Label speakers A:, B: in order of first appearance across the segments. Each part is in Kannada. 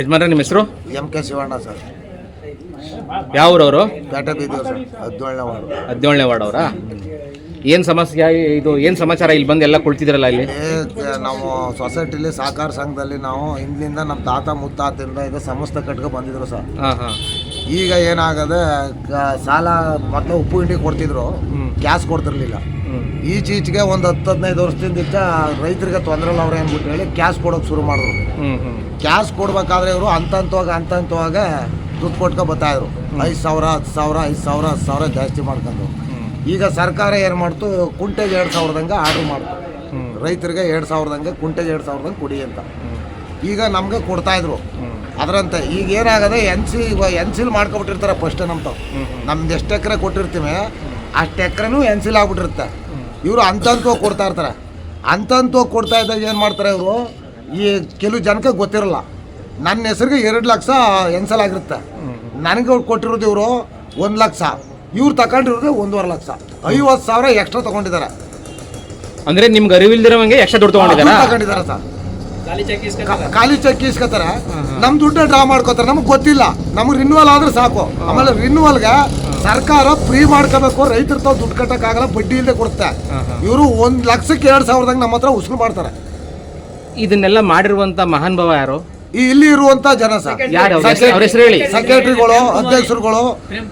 A: ಯಜಮಾನ್ರೆ, ನಿಮ್ಮ ಹೆಸರು?
B: MK Shivanna sir.
A: ಯಾವ ಊರವರು?
B: ಪೇಟೆ ಬೀದಿಯವರು ಸರ್, 17ನೇ ವಾರ್ಡು.
A: 17ನೇ ವಾರ್ಡ್ ಅವರಾ? ಏನು ಸಮಸ್ಯೆ ಇದು? ಏನು ಸಮಾಚಾರ? ಇಲ್ಲಿ ಬಂದು ಎಲ್ಲ ಕುಳಿತಿದ್ರಲ್ಲ ಇಲ್ಲಿ?
B: ನಾವು ಸೊಸೈಟಿಲಿ ಸಹಕಾರ ಸಂಘದಲ್ಲಿ ನಾವು ಹಿಂದಿನಿಂದ ನಮ್ಮ ತಾತ ಮುತ್ತಾತಿಂದ ಇದು ಸಂಸ್ಥೆ ಕಟ್ಕೊ ಬಂದಿದ್ರು ಸರ್. ಈಗ ಏನಾಗದೆ ಸಾಲ ಮೊದಲು ಉಪ್ಪು ಹಿಂಡಿ ಕೊಡ್ತಿದ್ರು, ಕ್ಯಾಶ್ ಕೊಡ್ತಿರ್ಲಿಲ್ಲ. ಈಚೀಚೆಗೆ ಒಂದು 10-15 ವರ್ಷದಿಂದ ರೈತರಿಗೆ ತೊಂದರೆ ಇಲ್ಲ ಅವ್ರು ಅಂದ್ಬಿಟ್ಟು ಹೇಳಿ ಕ್ಯಾಶ್ ಕೊಡೋಕೆ ಶುರು ಮಾಡಿದ್ರು. ಕ್ಯಾಶ್ ಕೊಡ್ಬೇಕಾದ್ರೆ ಇವರು ಹಂತಂತವಾಗ ದುಡ್ಡು ಕೊಟ್ಕೊ ಬರ್ತಾಯಿದ್ರು. 5,000 10,000 5,000 10,000 ಜಾಸ್ತಿ ಮಾಡ್ಕೊಂಡು. ಈಗ ಸರ್ಕಾರ ಏನು ಮಾಡ್ತು, ಕುಂಟೆಗೆ 2,000ದಂಗೆ ಆರ್ಡ್ರ್ ಮಾಡ್ತು. ರೈತರಿಗೆ 2,000ದಂಗೆ, ಕುಂಟೆಗೆ 2,000ದಂಗೆ ಕೊಡಿ ಅಂತ. ಈಗ ನಮಗೆ ಕೊಡ್ತಾಯಿದ್ರು ಅದರಂತೆ. ಈಗ ಏನಾಗದೆ ಎನ್ಸಿಲ್ ಮಾಡ್ಕೊಬಿಟ್ಟಿರ್ತಾರೆ ಫಸ್ಟ್. ನಮ್ದು ಎಷ್ಟು ಎಕರೆ ಕೊಟ್ಟಿರ್ತೀವಿ ಅಷ್ಟು ಎಕರೆನೂ ಎನ್ಸಿಲ್ ಆಗ್ಬಿಟ್ಟಿರುತ್ತೆ. ಇವರು ಹಂತಂತವಾಗಿ ಕೊಡ್ತಾ ಇರ್ತಾರೆ. ಹಂತಂತವಾಗಿ ಕೊಡ್ತಾ ಇದ್ದಾಗ ಏನು ಮಾಡ್ತಾರೆ ಇವರು, ಈ ಕೆಲವು ಜನಕ್ಕೆ ಗೊತ್ತಿರಲ್ಲ. ನನ್ನ ಹೆಸರಿಗೆ 2 ಲಕ್ಷ ಎನ್ಸಲ್ ಆಗಿರುತ್ತೆ. ನನಗೆ ಕೊಟ್ಟಿರೋದು ಇವರು 1 ಲಕ್ಷ, ಇವ್ರು ತಗೊಂಡಿರೋದು 1.5 ಲಕ್ಷ. 50,000 ಎಕ್ಸ್ಟ್ರಾ ತಗೊಂಡಿದ್ದಾರೆ.
A: ಅಂದ್ರೆ ನಿಮ್ಗೆ ಅರಿವಿಲ್ದಿರೋಂಗೆ ಎಕ್ಸ್ಟ್ರಾ ದುಡ್ಡು
B: ತಗೊಂಡಿದ್ದಾರೆ ಸರ್. ಖಾಲಿ ಚೆಕ್ ಇಸ್ಕೊತಾರೆ, ನಮ್ಮ ದುಡ್ಡು ಡ್ರಾ ಮಾಡ್ಕೋತಾರೆ. ನಮಗೆ ಗೊತ್ತಿಲ್ಲ. ನಮಗೆ ರಿನ್ಯೂವಲ್ ಆದ್ರೆ ಸಾಕು. ಆಮೇಲೆ ರಿನ್ಯೂವಲ್ಗೆ ಸರ್ಕಾರ ಫ್ರೀ ಮಾಡ್ಕೋಬೇಕು. ರೈತರು ತಾವು ದುಡ್ಡು ಕಟ್ಟಕ್ಕಾಗಲ್ಲ, ಬಡ್ಡಿ ಇಲ್ಲದೆ ಕೊಡುತ್ತೆ. ಇವರು 1 ಲಕ್ಷಕ್ಕೆ 2,000ದಂಗೆ ನಮ್ಮ ಹತ್ರ ಉಸುಲು ಮಾಡ್ತಾರೆ.
A: ಇದನ್ನೆಲ್ಲ ಮಾಡಿರುವಂತ ಮಹಾನ್ ಭಾವ ಯಾರು?
B: ಇಲ್ಲಿ ಇರುವಂತ ಜನ ಸರ್. ಸೆಕ್ರೆಟರಿಗಳು, ಅಧ್ಯಕ್ಷರುಗಳು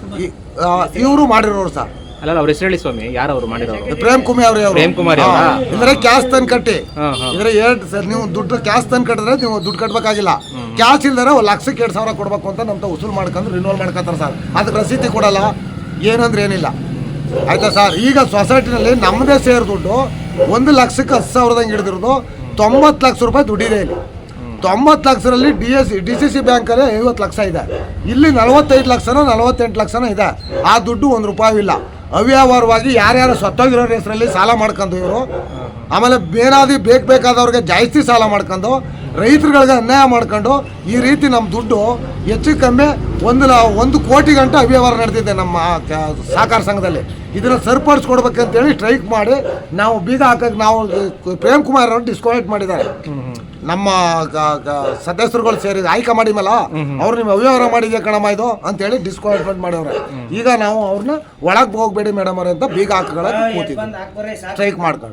B: ಇವರು ಮಾಡಿರೋರು ಸರ್.
A: ಅಲ್ಲ, ಅವ್ರ ಹೆಸರು ಹೇಳಿ ಸ್ವಾಮಿ. ಯಾರು ಅವ್ರು ಮಾಡಿರೋರು?
B: ಪ್ರೇಮ್ ಕುಮಾರ್ ಇದ್ರೆ ಕ್ಯಾಶ್ ತಂದು ಕಟ್ಟಿ. ಇದ್ರೆ ನೀವು ದುಡ್ಡು ಕ್ಯಾಶ್ ತಂದು ಕಟ್ಟಿದ್ರೆ ನೀವು ದುಡ್ಡು ಕಟ್ಟಬೇಕಾಗಿಲ್ಲ. ಕ್ಯಾಶ್ ಇಲ್ದರೆ 1 ಲಕ್ಷಕ್ಕೆ 2,000 ಕೊಡ್ಬೇಕು ಅಂತ ನಮ್ಮ ಉಸುಲು ಮಾಡ್ಕೊಂಡು ರಿನ್ಯೂವಲ್ ಮಾಡ್ಕೊತಾರೆ ಸರ್. ಅದಕ್ಕೆ ರಸೀದಿ ಕೊಡಲ್ಲ, ಏನಂದ್ರೆ ಏನಿಲ್ಲ. ಆಯ್ತಾ ಸರ್? ಈಗ ಸೊಸೈಟಿನಲ್ಲಿ ನಮ್ಮದೇ ಸೇರ್ ದುಡ್ಡು 1 ಲಕ್ಷಕ್ಕೆ 10,000ದಂಗೆ ಹಿಡಿದಿರೋದು 90 ಲಕ್ಷ ರೂಪಾಯಿ ದುಡ್ಡಿದೆ. ಇಲ್ಲಿ 90 ಲಕ್ಷದಲ್ಲಿ DCC ಬ್ಯಾಂಕಲ್ಲಿ 50 ಲಕ್ಷ ಇದೆ. ಇಲ್ಲಿ 45 ಲಕ್ಷನೋ 48 ಲಕ್ಷನೋ ಇದೆ. ಆ ದುಡ್ಡು 1 ರೂಪಾಯಿ ಇಲ್ಲ. ಅವ್ಯವಹಾರವಾಗಿ ಯಾರ್ಯಾರು ಸತ್ತೋಗಿರೋರ ಹೆಸರಲ್ಲಿ ಸಾಲ ಮಾಡ್ಕೊಂಡು ಇವರು, ಆಮೇಲೆ ಬೇಕಾದವ್ರಿಗೆ ಜಾಸ್ತಿ ಸಾಲ ಮಾಡ್ಕೊಂಡು ರೈತರುಗಳಿಗೆ ಅನ್ಯಾಯ ಮಾಡ್ಕೊಂಡು ಈ ರೀತಿ ನಮ್ಮ ದುಡ್ಡು ಹೆಚ್ಚು ಕಮ್ಮಿ 1 ಕೋಟಿ ಗಂಟೆ ಅವ್ಯವಹಾರ ನಡೆದಿದೆ ನಮ್ಮ ಸಹಕಾರ ಸಂಘದಲ್ಲಿ. ಇದನ್ನು ಸರಿಪಡಿಸ್ಕೊಡ್ಬೇಕಂತೇಳಿ ಸ್ಟ್ರೈಕ್ ಮಾಡಿ ನಾವು ಬೀಗ ಹಾಕಕ್ಕೆ ನಾವು ಪ್ರೇಮ್ ಕುಮಾರ್ ಅವರು ಡಿಸ್ಕ್ವಾಲಿಫೈ ಮಾಡಿದ್ದಾರೆ. ನಮ್ಮ ಸದಸ್ಯರುಗಳು ಸೇರಿ ಆಯ್ಕೆ ಮಾಡಿ ಮೇಲೆ ಅವ್ರು ನಿಮ್ಮ ಅವ್ಯವಹಾರ ಮಾಡಿದ್ಯಾ ಕಣಮ್ಮ ಇದು ಅಂತೇಳಿ ಡಿಸ್ಕ್ವಾಲಿಫೈಡ್ ಮಾಡವ್ರೆ. ಈಗ ನಾವು ಅವ್ರನ್ನ ಒಳಗೆ ಹೋಗ್ಬೇಡಿ ಮೇಡಮ್ ಅವ್ರೆ ಅಂತ ಬೀಗ ಹಾಕಕ್ಕೆ ಕೂತಿದ್ವಿ ಸ್ಟ್ರೈಕ್ ಮಾಡ್ಕೊಂಡು.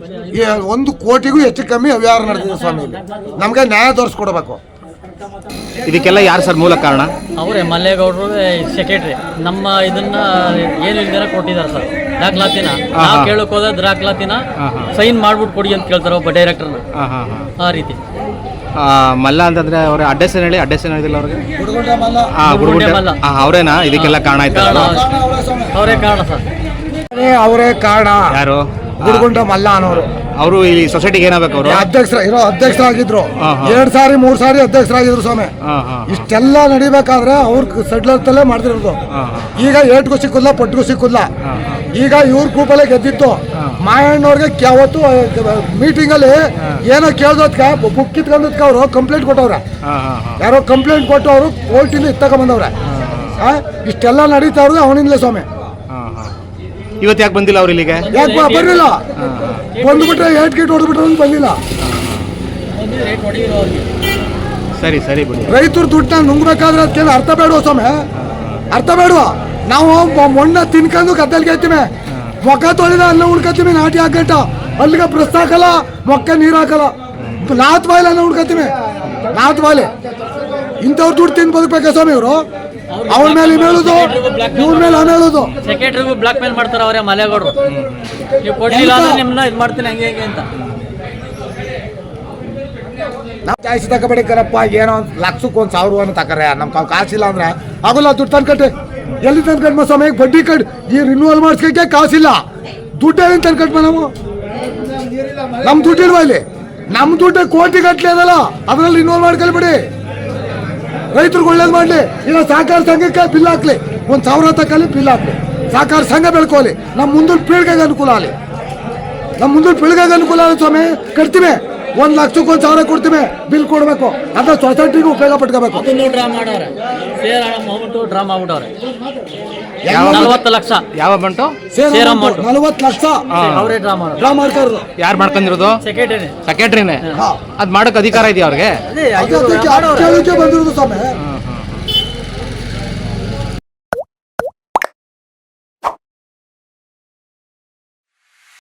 B: 1 ಕೋಟಿಗೂ ಹೆಚ್ಚು ಕಮ್ಮಿ ಅವ್ಯವಹಾರ ನಡೆದಿದೆ ಸ್ವಾಮಿ. ಇಲ್ಲಿ ನಮಗೆ ನ್ಯಾಯ ತೋರಿಸ್ಕೊಡ್ಬೇಕು.
A: ಇದಕ್ಕೆಲ್ಲ ಯಾರು ಸರ್ ಮೂಲ ಕಾರಣ?
C: ಅವರೇ ಮಲ್ಲೇಗೌಡರು ಸೆಕ್ರೆಟರಿ. ನಮ್ಮ ಇದನ್ನ ಏನು ಇಲ್ದಿರ ಕೊಟ್ಟಿದ್ದಾರೆ ಸರ್ ದಾಖಲಾತಿನ. ನಾವು ಕೇಳಕ್ ಹೋದ್ರೆ ದಾಖಲಾತಿನ ಸೈನ್ ಮಾಡ್ಬಿಟ್ಟು ಕೊಡಿ ಅಂತ ಕೇಳ್ತಾರೆ ಒಬ್ಬ ಡೈರೆಕ್ಟರ್ನ. ಆ ರೀತಿ
A: ಮಲ್ಲ ಅಂತಂದ್ರೆ ಅವ್ರ ಅಡ್ರೆಸ್ ಹೇಳಿ. ಅಡ್ರೆಸ್ ಹೇಳಿದಿಲ್ಲ ಅವ್ರಿಗೆ?
C: ಮಲ್ಲ
A: ಅವರೇನಾ ಇದಕ್ಕೆಲ್ಲ ಕಾರಣ ಆಯ್ತಲ್ಲ?
C: ಅವರೇ ಕಾರಣ ಸರ್.
B: ಅವರೇ ಕಾರಣ.
A: ಯಾರು?
B: ಗುರುಗುಂಡ ಮಲ್ಲ ಅನ್ನೋರು.
A: ಅವರು ಈ ಸೊಸೈಟಿಗೆ ಏನಾಗಬೇಕು? ಅವರು
B: ಅಧ್ಯಕ್ಷರಾಗಿದ್ರು. 2 ಸಾರಿ 3 ಸಾರಿ ಅಧ್ಯಕ್ಷರಾಗಿದ್ರು ಸ್ವಾಮಿ. ಇಷ್ಟೆಲ್ಲ ನಡಿಬೇಕಾದ್ರೆ ಅವ್ರ ಸಡ್ಲತ್ತಲ್ಲೇ ಮಾಡ್ತಿರೋದು. ಈಗ ಏಟ್ಗೂ ಸಿಕ್ಕುದಿಲ್ಲ, ಪಟ್ಟಿಗೂ ಸಿಕ್ಕುದಿಲ್ಲ. ಈಗ ಇವ್ರ ಗ್ರೂಪಲ್ಲೇ ಗೆದ್ದಿತ್ತು. ಮಾಯಣ್ಣವ್ರಿಗೆ ಯಾವತ್ತು ಮೀಟಿಂಗಲ್ಲಿ ಏನೋ ಕೇಳ್ದಕ್ಕೆ ಬುಕ್ ಕಿತ್ಕೊಂಡದಕ್ಕೆ ಅವರು ಕಂಪ್ಲೇಂಟ್ ಕೊಟ್ಟವ್ರೆ. ಯಾರೋ ಕಂಪ್ಲೇಂಟ್ ಕೊಟ್ಟು ಅವರು ಕೋರ್ಟಿಂದ ತಗೊಂಬಂದವ್ರೆ. ಇಷ್ಟೆಲ್ಲ ನಡೀತಾ ಇರೋದು ಅವನಿಂದಲೇ ಸ್ವಾಮಿ.
A: ಇವತ್ತು ಯಾಕೆ ಬಂದಿಲ್ಲ ಅವ್ರು ಇಲ್ಲಿಗೆ?
B: ಯಾಕೆ ಬರಲಿಲ್ಲ? ಬಂದ್ಬಿಟ್ರೆ 8 ಗೇಟ್ ಹೊಡೆದ್ಬಿಟ್ರೆ ಬಂದಿಲ್ಲ.
A: ಸರಿ ಸರಿ ಬಿಡಿ.
B: ರೈತರು ದುಡ್ಡನ್ನ ನುಂಗ್ಬೇಕಾದ್ರೆ ಅದಕ್ಕೆ ಅರ್ಥ ಬೇಡುವ ಸ್ವಾಮಿ, ಅರ್ಥ ಬೇಡುವ. ನಾವು ಮಣ್ಣ ತಿನ್ಕೊಂಡು ಗದ್ದಲ್ಗೆ ಐತೀವಿ, ಮೊಕ್ಕ ತೊಳೆದ ಅನ್ನ ಉಳ್ಕೊತೀವಿ. ನಾಟಿ ಹಾಕಂಟ ಅಲ್ಲಿಗೆ ಬ್ರಷ್ ಹಾಕಲ್ಲ, ಮೊಕ್ಕ ನೀರು ಹಾಕಲ್ಲ. ನಾತ್ ಬಾಯಿಲೆ ಅನ್ನ ಉಳ್ಕೊತೀವಿ, ನಾತ್ ಬಾಯಿಲೆ. ಇಂಥವ್ರು ದುಡ್ಡು ತಿಂದು ಬದುಕಬೇಕಾ ಸ್ವಾಮಿ ಇವರು? ಅವ್ರ ಮೇಲೆ ಹೇಳುದು, ಇವ್ರ ಮೇಲೆ ಹೇಳುದು.
C: ಸೆಕ್ರೆಟರಿಗೂ ಬ್ಲಾಕ್ ಮೇಲ್ ಮಾಡ್ತಾರೆ ಅವರೇ ಮಲ್ಲೇಗೌಡರು. ನೀವು ಕೊಡ್ಲಿಲ್ಲ ಅಂದ್ರೆ ನಿಮ್ಮನ್ನ ಇದು ಮಾಡ್ತೀನಿ ಹಂಗೆ ಹಂಗೆ ಅಂತ.
B: ನಾವು ಜಾಸ್ತಿ ತಗೋಬೇಡಿಕರಪ್ಪ. ಏನೋ 1 ಲಕ್ಷಕ್ಕೆ 1,000 ತಕರೆ. ನಮ್ಮ ಕಾಸಿಲ್ಲ ಅಂದ್ರೆ ಆಗೋಲ್ಲ. ದುಡ್ಡು ತಂದ್ಕಟ್ಟೆ ಎಲ್ಲಿ ತಂದ್ಕಟ್ಮ ಸ್ವಾಮಿ? ಬಡ್ಡಿ ಕಟ್ ಈ ರಿನ್ಯೂವಲ್ ಮಾಡಿಸ್ಲಿಕ್ಕೆ ಕಾಸಿಲ್ಲ. ದುಡ್ಡು ಎಲ್ಲಿ ತಂದ್ಕಟ್ಮ ನಾವು? ನಮ್ಮ ದುಡ್ಡು ಇಲ್ವಾ ಇಲ್ಲಿ? ನಮ್ಮ ದುಡ್ಡು ಕೋಟಿ ಗಟ್ಟಲೆ ಅದಲ್ಲ, ಅದರಲ್ಲಿ ರಿನ್ಯೂವಲ್ ಮಾಡ್ಕೊಳ್ಬೇಡಿ. ರೈತರಿಗೆ ಒಳ್ಳೇದು ಮಾಡಲಿ. ಈಗ ಸಹಕಾರ ಸಂಘಕ್ಕೆ ಬಿಲ್ ಹಾಕ್ಲಿ, 1,000 ತಗೊಳ್ಳಿ, ಬಿಲ್ ಹಾಕ್ಲಿ. ಸಹಕಾರ ಸಂಘ ಬೆಳ್ಕೊಳ್ಳಿ. ನಮ್ಮ ಮುಂದಿನ ಪೀಳಿಗೆಗೆ ಅನುಕೂಲ ಆಗಲಿ. ನಮ್ಮ ಮುಂದಿನ ಪೀಳಿಗೆಗೆ ಅನುಕೂಲ ಆಗಲಿ ಸ್ವಾಮಿ. ಕಟ್ತೀವಿ 1 ಲಕ್ಷಕ್ಕೆ 1,000 ಕೊಡ್ತೀವಿ, ಬಿಲ್ ಕೊಡ್ಬೇಕು, ಅದ ಸೊಸೈಟಿಗೆ ಉಪಯೋಗ ಪಟ್ಕೋಬೇಕು.
C: ಅದನ್ನು ಡ್ರಾ ಮಾಡವ್ರೆ, ಸೇರ್ ಅಮೌಂಟು ಡ್ರಾ ಮಾಡ್ಬಿಟ್ಟವ್ರೆ.
A: ಯಾವ
C: 40 ಲಕ್ಷ
A: ಯಾವ ಬಂಟು
C: ಸೇರ್ ಅಮೌಂಟ್
B: 40 ಲಕ್ಷ
C: ಅವರೇ ಡ್ರಾ ಮಾಡೋರು.
B: ಡ್ರಾ ಮಾಡ್ತಾರ.
A: ಯಾರು ಮಾಡ್ಕೊಂಡಿರೋದು?
C: ಸೆಕ್ರೆಟರಿ.
A: ಸೆಕ್ರೆಟರಿನೇ. ಅದ್ ಮಾಡಕ್ ಅಧಿಕಾರ ಇದೆಯಾ ಅವ್ರಿಗೆ?
B: ಕೇಳಕ್ಕೆ ಬಂದಿರೋದು ಸ್ವಾಮಿ.